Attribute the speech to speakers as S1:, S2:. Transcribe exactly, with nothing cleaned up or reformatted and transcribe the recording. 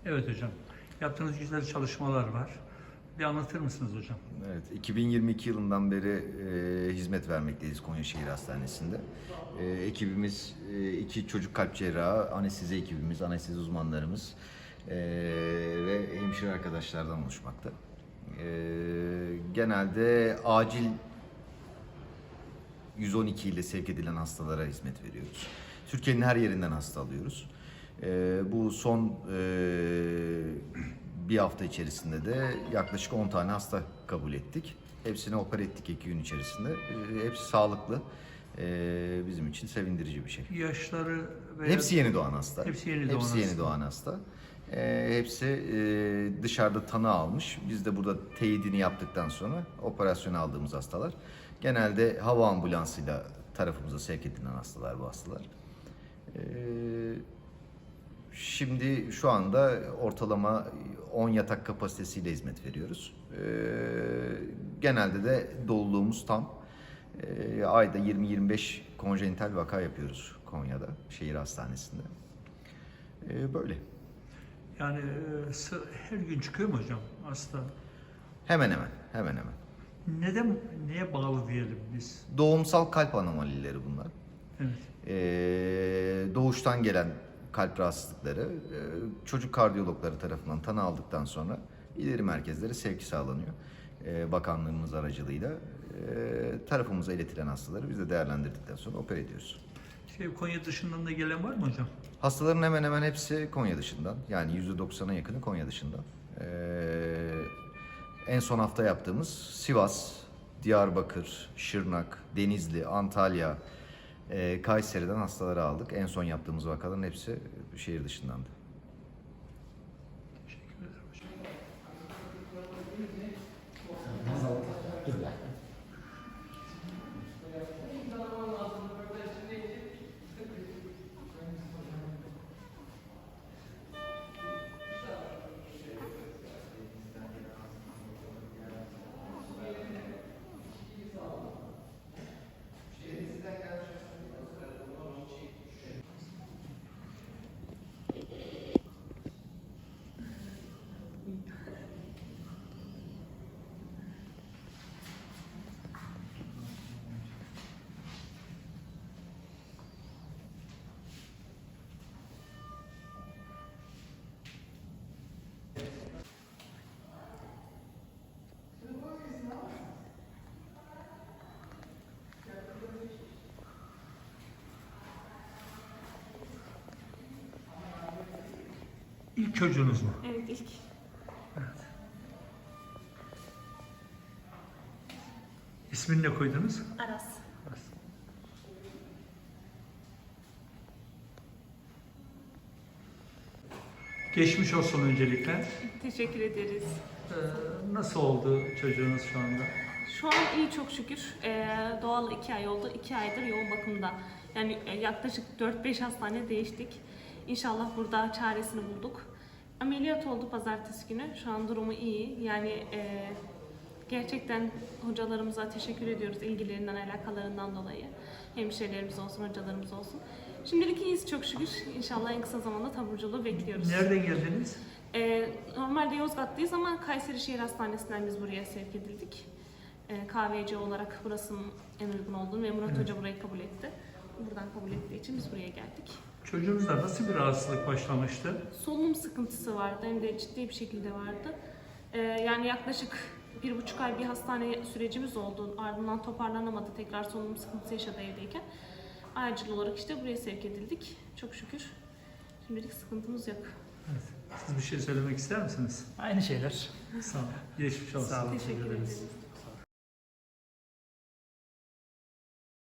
S1: Evet hocam. Yaptığınız güzel çalışmalar var. Bir anlatır mısınız hocam?
S2: Evet, iki bin yirmi iki yılından beri e, hizmet vermekteyiz Konya Şehir Hastanesi'nde. E, ekibimiz e, iki çocuk kalp cerrahı, anestezi ekibimiz, anestezi uzmanlarımız e, ve hemşire arkadaşlardan oluşmakta. E, genelde acil yüz on iki ile sevk edilen hastalara hizmet veriyoruz. Türkiye'nin her yerinden hasta alıyoruz. E, bu son e, bir hafta içerisinde de yaklaşık on tane hasta kabul ettik. Hepsini opere ettik iki gün içerisinde. E, hepsi sağlıklı. E, bizim için sevindirici bir şey.
S1: Yaşları veya...
S2: Hepsi yeni doğan hasta.
S1: Hepsi yeni doğan
S2: hepsi yeni
S1: hasta.
S2: doğan hasta. E, hepsi e, dışarıda tanı almış. Biz de burada teyidini yaptıktan sonra operasyona aldığımız hastalar. Genelde hava ambulansıyla tarafımıza sevk edilen hastalar bu hastalar. E, Şimdi şu anda ortalama on yatak kapasitesiyle hizmet veriyoruz. Ee, genelde de doluluğumuz tam. Ee, ayda yirmi yirmi beş konjenital vaka yapıyoruz Konya'da, şehir hastanesinde. Ee, böyle.
S1: Yani e, sı- her gün çıkıyor mu hocam hasta?
S2: Hemen hemen, hemen hemen.
S1: Neden, neye bağlı diyelim biz?
S2: Doğumsal kalp anomalileri bunlar.
S1: Evet.
S2: Ee, doğuştan gelen kalp rahatsızlıkları e, çocuk kardiyologları tarafından tanı aldıktan sonra ileri merkezlere sevki sağlanıyor. E, bakanlığımız aracılığıyla e, tarafımıza iletilen hastaları biz de değerlendirdikten sonra opere ediyoruz.
S1: Şey, Konya dışından da gelen var mı hocam?
S2: Hastaların hemen hemen hepsi Konya dışından. Yani yüzde doksana yakını Konya dışından. E, en son hafta yaptığımız Sivas, Diyarbakır, Şırnak, Denizli, Antalya, e, Kayseri'den hastaları aldık. En son yaptığımız vakaların hepsi şehir dışındandı.
S1: Teşekkür ederim hocam. İlk çocuğunuz mu?
S3: Evet, ilk.
S1: Evet. İsmini ne koydunuz?
S3: Aras.
S1: Geçmiş olsun öncelikle.
S3: Teşekkür ederiz.
S1: Ee, nasıl oldu çocuğunuz şu anda?
S3: Şu an iyi çok şükür. Ee, doğal iki ay oldu. iki aydır yoğun bakımda. Yani e, yaklaşık dört beş hastane değiştik. İnşallah burada çaresini bulduk. Ameliyat oldu pazartesi günü. Şu an durumu iyi. Yani e, gerçekten hocalarımıza teşekkür ediyoruz ilgilerinden, alakalarından dolayı. Hemşirelerimiz olsun, hocalarımız olsun. Şimdilik iyiyiz çok şükür. İnşallah en kısa zamanda taburculuğu bekliyoruz.
S1: Nereden geldiniz?
S3: Ee, normalde Yozgat'tayız ama Kayseri Şehir Hastanesi'nden biz buraya sevk edildik. Ee, K V C olarak burasının en uygun olduğunu ve Murat
S1: Evet.
S3: Hoca burayı kabul etti. Buradan kabul ettiği için biz buraya geldik.
S1: Çocuğunuzda nasıl bir rahatsızlık başlamıştı?
S3: Solunum sıkıntısı vardı, hem de ciddi bir şekilde vardı. Ee, yani yaklaşık bir buçuk ay bir hastane sürecimiz oldu. Ardından toparlanamadı, tekrar solunum sıkıntısı yaşadı evdeyken. Acil olarak işte buraya sevk edildik. Çok şükür. Şimdilik sıkıntımız yok.
S1: Evet. Siz bir şey söylemek ister misiniz?
S4: Aynı şeyler.
S1: Sağ olun. Geçmiş olsun.
S4: Sağ olun.
S3: Teşekkür ederiz.